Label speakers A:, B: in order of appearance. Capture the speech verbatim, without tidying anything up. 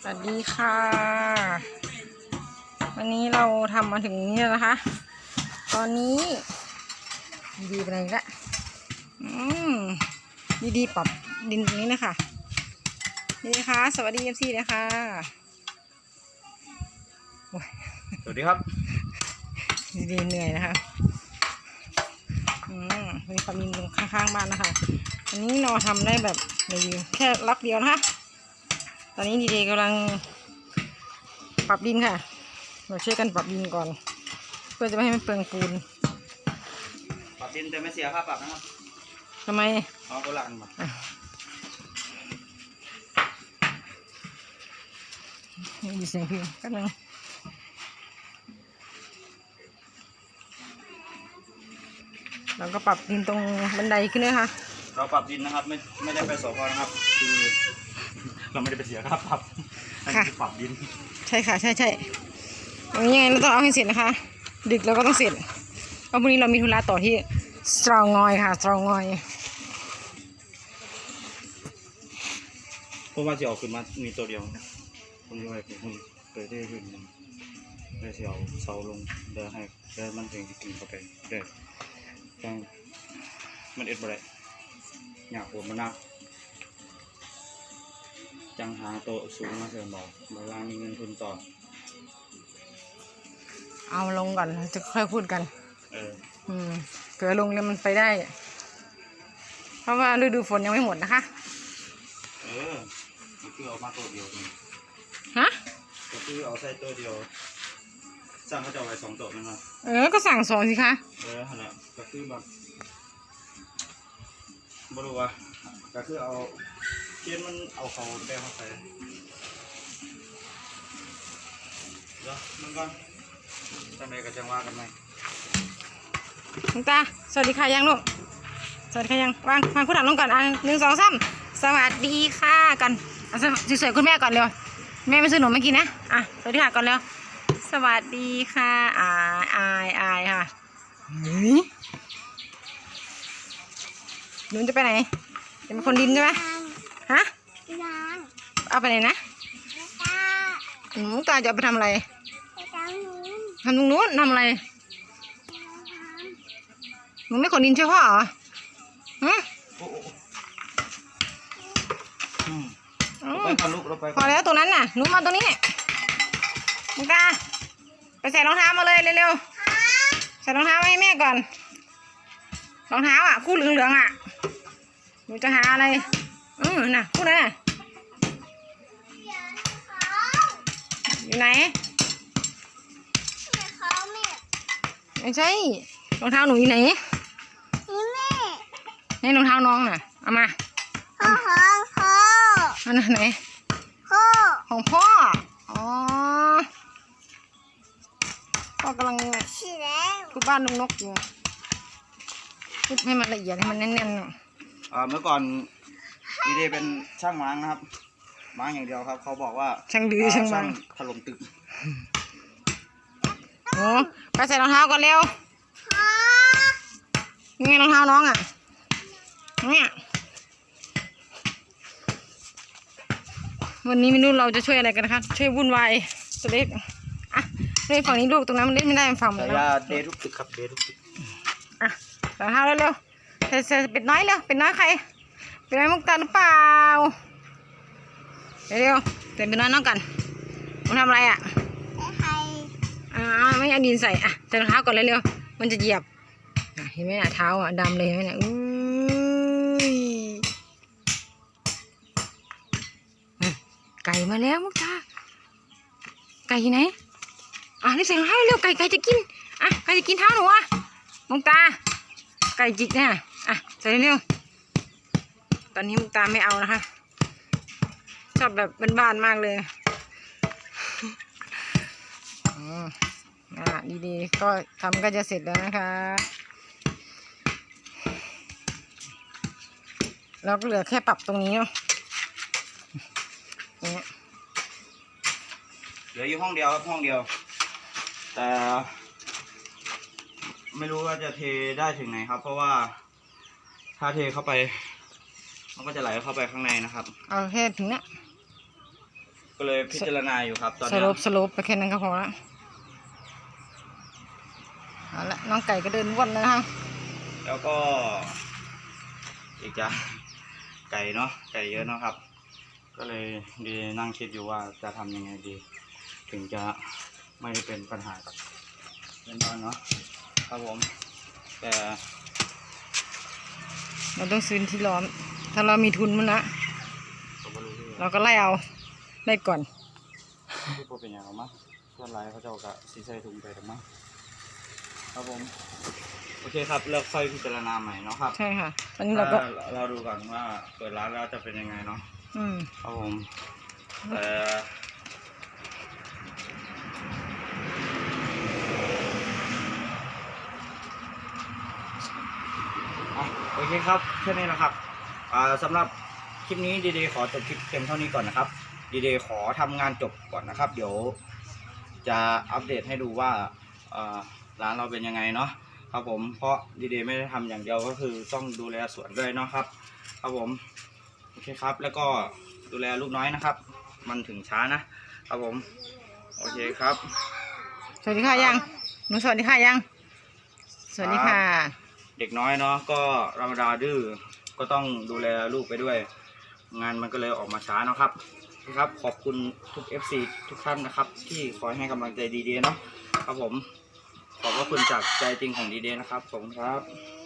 A: วัสดีค่ะวันนี้เราทำมาถึงนี่แล้วนะคะตอนนี้ดีไปไหนละอืมดีๆปรับดินตรงนี้นะคะนี่นะคะสวัสดีเอฟซีนะคะ
B: สวัสดีครับ
A: ดีๆเหนื่อยนะคะอืมมีความดินตรงข้างๆบ้านนะคะอันนี้เราทำได้แบบดีแค่ล็อกเดียวนะคะตอนนี้ดีๆกำลังปรับดินค่ะเราช่วยกันปรับดินก่อนเพื่อจะไม่ให้มันเปลืองปูน
B: ปรับดินแต่ไม่เสียค่าปรับนะครับ
A: ทำไม
B: เอาโบราณมา
A: มีเสียงเพลงกันนึงเราก็ปรับดินตรงบันไดขึ้นเลยค่ะ
B: เราปรับดินนะครับไม่ไม่ได้ไปสพนะครับคือเราไม่ได้ไปเสียค่าปรับค่ะปรับดิน
A: ใช่ค่ะใช่ใช่อย่างนี้ยังไงเราต้องเอาให้เสร็จนะคะดึกเราก็ต้องเสร็จเพราะพรุ่งนี้เรามีธุระต่อที่สตรองงอยค่ะสตรองงอย
B: เพราะว่าจะออกขึ้นมามีตัวเดียวผมจะไปผมเคยได้ขึ้นได้เสียวเสาลงเดินให้เดินมันถึงจะกินเข้าไปเดินจังมันเอ็ดบ่ได้อยากปวดมันนักจังหาโตสูงมาเสริมบอกเวลามีเงินทุนต่อ
A: เอาลงก่อนจะค่อยพูดกัน
B: เออ
A: อืมเกิดลงแล้วมันไปได้เพราะว่าฤดูฝนยังไม่หมดนะคะ
B: เออก็คือเอามาตัวเดียว
A: ฮะ
B: ก็คือเอาใส่ตัวเดียวสั่งเขาจะเอาไว้สองตัวนั่นนะ
A: เออก็สั่งสองสิคะ
B: เออฮะเนี่ยก็คือแบบบรู้ว่าก็คือเอาเทียนมันเอาเขาแบกเข้าไปเดี๋ยวมันก่อนทำไมก็จังว่ากันไหม
A: ลุงตาสวัสดีค่ะยังลูกสวัสดีค่ะยังวางวางคุณถามลงก่อนอ่ะหนึ่งสองสามสวัสดีค่ะกันอ่ะสวยๆคุณแม่ก่อนเร็วแม่ไม่ซื้อหนมไม่กินนะอ่ะสวัสดีค่ะก่อนเร็วสวัสดีค่ะอายอายอายค่ะหนูหนูจะไปไหนจะเป็นคนดินใช่ไหมฮะเอาไปไหนนะหนูตาจะไปทำอะไรทำตรงนู้นทำอะไรหนูไม่ขนดินช่วยพ่อเหรอฮะ
B: ไปก่อนลูกเราไป
A: พอแล้วตรงนั้นน่ะหนูมาตรงนี้มึงตาไปใส่รองเท้ามาเลยเร็วๆใส่รองเท้าให้แม่ก่อนรองเท้าอ่ะคู่เหลืองๆอ่ะหนูจะหาอะไรอือน่ะคู่นั้นน่ะอยู่ไหนไม่ใช่รองเท้าหนูอยู่ไหนนี่แม่นี่รองเท้าน้องน่ะเอามา
C: พ่อพ่อ
A: อันไหน
C: พ่อ
A: ของพ่ออ๋อพ่อกำลังทุบบ้านลุงนกอยู่ทุบให้มันละเอียดให้มันแน่น
B: ๆอ่าเมื่อก่อนดีเดเป็นช่างม้างนะครับม้างอย่างเดียวครับเขาบอกว่า
A: ช่างดื้อช่างม้าง
B: ถล่มตึก
A: โอ้ไปใส่รองเท้าก่อนเร็วนี่ไงรองเท้าน้องอ่ะเนี่ยวันนี้ไม่รู้เราจะช่วยอะไรกันนะคะช่วยวุ่นวายตัวเล็กอ่ะเล่นฝั่งนี้ลูกตรงนั้นมันเล่นไม่ได้ฝั่งมันแล้ว
B: เดทุกตึกครับเดทุกตึก
A: อ่ะรองเท้าเร็วๆเสร็จเป็ดน้อยเร็วเป็ดน้อยใครเป็ดน้อยมุกตาหรือเปล่าเร็วๆเป็ดน้อยน้องกันมันทำอะไรอ่ะอ่าไม่เอาดินใส่อ่ะใส่รองเท้าก่อนเร็วๆมันจะเหยียบเห็นไหมอ่ะเท้าอ่ะดำเลยเห็นไหมเนี่ยอุ้ยไก่มาแล้วมุกตาไก่ไหนอ่ะนี่ใส่รองเท้าเร็วไก่ไก่จะกินอ่ะไก่จะกินเท้าหนูอ่ะมุกตาไก่จิกเนี่ยอ่ะใส่เร็วตอนนี้มุกตาไม่เอานะคะชอบแบบบ้านๆมากเลยอืมอ่ะดีๆก็ทำก็จะเสร็จแล้วนะคะเราก็เหลือแค่ปรับตรงนี้เนาะเนี่ย
B: เหลืออยู่ห้องเดียวครับห้องเดียวแต่ไม่รู้ว่าจะเทได้ถึงไหนครับเพราะว่าถ้าเทเข้าไปมันก็จะไหลเข้าไปข้างในนะครับ
A: เอาแค่ถึงเนี้ย
B: ก็เลยพิจารณาอยู่ครับตอน
A: ส
B: เนี้ย
A: รุปสรุปไปแค่นั้นก็พอละเอาละน้องไก่ก็เดินวนแล้วนะคะ
B: แล้วก็อีกอย่างไก่เนาะไก่เยอะเนาะครับ ก็เลยดีนั่งคิดอยู่ว่าจะทำยังไงดี ถึงจะไม่ได้เป็นปัญหากับเพื่อนบ้านเนาะครับผมแต่
A: เราต้องซื้อที่ร้อนถ้าเรามีทุนมันนะ
B: ผมก็รู้ที่
A: เราก็ไล่เอาได้ก่อน
B: ที่พวกเป็นอย่างไรมั้งเพื่อนไรเขาจะเอากะซีใส่ถุงไปหรือมั้งครับผมโอเคครับเลือกค่อยพิจารณาใหม่เนาะครับ
A: ใช่ค่ะตอนนี้เราก็
B: ถ้เราดูก่อนว่าเปิดร้านแล้วจะเป็นยังไงเนาะ
A: อืม
B: ครับผมแต่อ่ะโอเคครับแค่นี้นะครับอ่าสำหรับคลิปนี้ดีเดย์ขอจบคลิปเพียงเท่านี้ก่อนนะครับดีเดย์ขอทำงานจบก่อนนะครับ เดี๋ยวจะอัปเดตให้ดูว่าอ่าร้านเราเป็นยังไงเนาะครับผมเพราะดีเดย์ไม่ได้ทำอย่างเดียวก็คือต้องดูแลสวนด้วยเนาะครับครับผมโอเคครับแล้วก็ดูแลลูกน้อยนะครับ มันถึงช้านะครับผมโอเคครับ
A: สวัสดีค่ะยังหนูสวัสดีค่ะยัง สวัสดีค่ะ
B: เด็กน้อยเนาะก็ธรรมดาดื้อก็ต้องดูแลลูกไปด้วย งานมันก็เลยออกมาช้าเนาะครับครับขอบคุณทุก เอฟ ซี ทุกท่านนะครับ ที่คอยให้กำลังใจดีเดย์เนาะครับผมขอบพระคุณจากใจจริงของดีเดย์นะครับขอบคุณครับ